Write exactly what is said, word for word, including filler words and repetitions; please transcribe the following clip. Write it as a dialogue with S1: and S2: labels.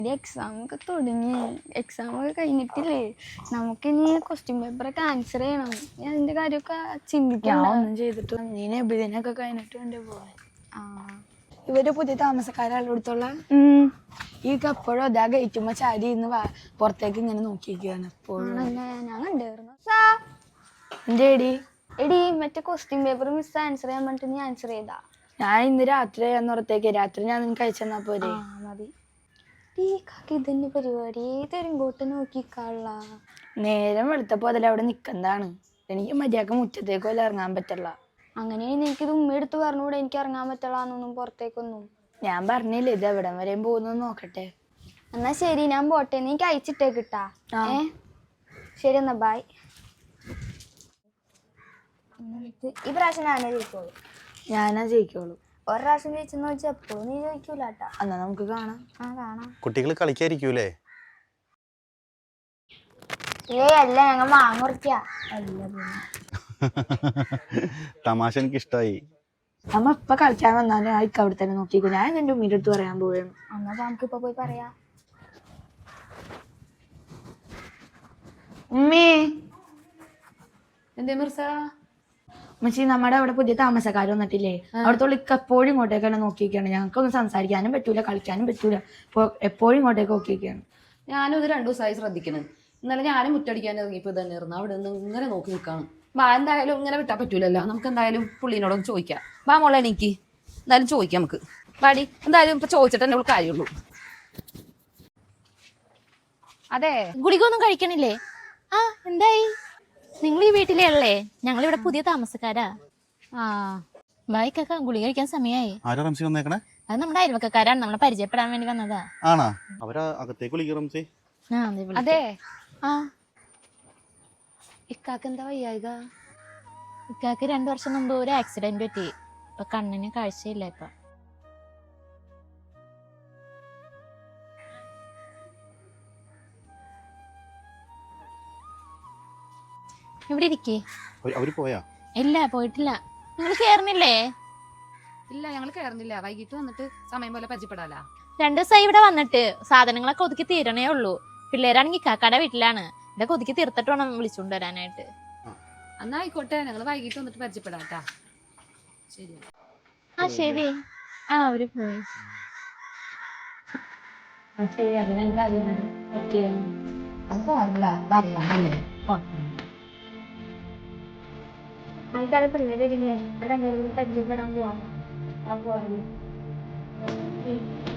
S1: Exam ഒക്കെ തുടങ്ങി exam ഒക്കെ കഴിഞ്ഞിട്ടില്ലേ നമുക്കിനി ക്വസ്റ്റ്യൻ പേപ്പറൊക്കെ ആൻസർ ചെയ്യണം. ഞാൻ അതിന്റെ കാര്യമൊക്കെ ചിന്തിക്കണം.
S2: ഒന്നും ചെയ്തിട്ട് നീ നബിദിനൊക്കെ കഴിഞ്ഞിട്ട് വേണ്ടി പോവാൻ. ആ ഇവര് പുതിയ താമസക്കാരടുത്തുള്ള ഈ എപ്പോഴും അതാ ഗേറ്റുമ്പോ ചാരി ഇന്ന് പുറത്തേക്ക് ഇങ്ങനെ നോക്കിയിരിക്കുകയാണ് എപ്പോഴും.
S1: ഞാൻ കണ്ടായിരുന്നു.
S2: എന്റെ എടി
S1: എടി മറ്റേ ക്വസ്റ്റ്യൻ പേപ്പർ മിസ് ആൻസർ ചെയ്യാൻ പറഞ്ഞിട്ട് നീ ആൻസർ ചെയ്താ?
S2: ഞാൻ ഇന്ന് രാത്രി ചെയ്യാന്നുറത്തേക്ക് രാത്രി ഞാൻ നിനക്ക് അയച്ചെന്നാ പോരെ.
S1: മതി. ഈ കാക്കി ഇതന്നെ പരിപാടി ഏതൊരും കൂട്ട് നോക്കിക്കാള.
S2: നേരം വെളുത്തപ്പോ അതിൽ അവിടെ നിക്കുന്നതാണ്. എനിക്ക് മര്യാദക്ക് മുറ്റത്തേക്ക് വല്ല ഇറങ്ങാൻ പറ്റില്ല.
S1: അങ്ങനെയാണെങ്കിൽ എനിക്കിത് ഉമ്മ എടുത്ത് പറഞ്ഞുകൂടെ എനിക്ക് ഇറങ്ങാൻ പറ്റില്ലാന്നൊന്നും പുറത്തേക്കൊന്നും.
S2: ഞാൻ പറഞ്ഞില്ലേ ഇത് എവിടം വരെയും പോകുന്നു നോക്കട്ടെ.
S1: എന്നാ ശരി ഞാൻ പോട്ടെ, നീക്ക് അയച്ചിട്ടേക്കിട്ടാ. ഏ ശരി എന്നാ ബായ്. ഈ പ്രാവശ്യം ഞാനേ ജയിക്കോളൂ.
S2: ഞാനാ ജയിക്കോളൂ.
S1: ഒരു പ്രാവശ്യം ജയിച്ചെന്ന് വെച്ചാൽ എപ്പോഴും നീ ജയിക്കൂലാട്ടാ.
S2: എന്നാ നമുക്ക് കാണാം.
S1: ആ കാണാം.
S3: കുട്ടികൾ കളിക്കായിരിക്കൂലേ?
S1: ഏയ് അല്ല, ഞങ്ങൾ മാങ്ങുറിക്ക.
S3: തമാശ എനിക്ക് ഇഷ്ടായി.
S2: നമ്മ ഇപ്പൊ കളിക്കാൻ വന്നാലും ആയിക്ക് അവിടെ തന്നെ നോക്കിക്കോ. ഞാൻ എന്റെ ഉമ്മീന്റെ അടുത്ത് പറയാൻ പോവുകയാണ്.
S1: എന്നാ നമുക്ക് ഇപ്പൊ പോയി പറയാ.
S2: ഉമ്മേ
S4: എന്തേ മിർസ?
S2: മച്ചി നമ്മുടെ അവിടെ പുതിയ താമസക്കാർ വന്നിട്ടില്ലേ, അവിടത്തോളം ഇക്ക എപ്പോഴും ഇങ്ങോട്ടേക്ക് തന്നെ നോക്കിയിരിക്കുകയാണ്. ഞങ്ങൾക്കൊന്നും സംസാരിക്കാനും പറ്റൂല കളിക്കാനും പറ്റൂല. എപ്പോഴും ഇങ്ങോട്ടേക്ക് നോക്കിയിരിക്കുകയാണ്.
S4: ഞാനും ഇത് രണ്ടു ദിവസമായി ശ്രദ്ധിക്കണം. ഇന്നലെ ഞാനും മുറ്റടിക്കാൻ ഇറങ്ങിയപ്പോ തന്നെ ഇരുന്നു അവിടെ നിന്ന് ഇങ്ങനെ നോക്കി നിൽക്കാണ്. വാ എന്തായാലും ഇങ്ങനെ വിട്ടാൽ പറ്റൂലല്ലോ, നമുക്ക് എന്തായാലും പുള്ളീനോടൊന്ന് ചോദിക്കാം. വാ മോളെ എനിക്ക് എന്തായാലും ചോദിക്കാം നമുക്ക്. വാടി എന്തായാലും ഇപ്പൊ ചോദിച്ചിട്ട് തന്നെ കാര്യമുള്ളൂ.
S5: അതെ ഗുളിക ഒന്നും കഴിക്കണില്ലേ? ആ എന്തായി? നിങ്ങൾ ഈ വീട്ടിലേ ഉള്ളേ? ഞങ്ങളിവിടെ പുതിയ താമസക്കാരാ. ആ ബായിക്കൊക്കെ ഗുളിക കഴിക്കാൻ സമയമായി.
S3: ആരാ റംസി വന്നേക്കണേ?
S5: അത് നമ്മുടെ അയൽവക്കക്കാരാണ്, നമ്മളെ പരിചയപ്പെടാൻ വേണ്ടി വന്നതാ.
S3: ആണാ? അവരാ അകത്തേക്ക് വിളിക്കുക റംസി.
S4: അതെ.
S5: ആ
S4: ഇക്കാക്ക് എന്താ വയ്യായിക?
S5: ഇക്കാക്ക് രണ്ടു വർഷം മുമ്പ് ഒരു ആക്സിഡന്റ് പറ്റി. ഇപ്പൊ കണ്ണിന് കാഴ്ചയില്ല. ഇപ്പൊ ഇവിടെ ഇരിക്കേ.
S3: അവര് പോയാ?
S5: ഇല്ല പോയിട്ടില്ല. നിങ്ങൾ കേറുന്നില്ലേ?
S4: ഇല്ല ഞങ്ങൾ കയറുന്നില്ല, വൈകിട്ട് വന്നിട്ട് സമയം പോലെ പരിചയപ്പെടാല.
S5: രണ്ടു ദിവസമായി ഇവിടെ വന്നിട്ട് സാധനങ്ങളൊക്കെ ഒതുക്കി തീരണേ ഉള്ളൂ. പിള്ളേരാണെങ്കിൽ കാക്കാടെ വീട്ടിലാണ്. ഇതൊക്കെ ഒതുക്കി തീർത്തിട്ട് വേണം വിളിച്ചുകൊണ്ട് വരാനായിട്ട്.
S4: എന്നാ ആയിക്കോട്ടെ, ഞങ്ങൾ വൈകിട്ട് വന്നിട്ട് പരിചയപ്പെടാട്ടാ. ശരി.
S5: ആ ശരി. ആ അവര് പോയി.
S1: പിള്ളേരെ പരിചയപ്പെടാൻ പോവാ.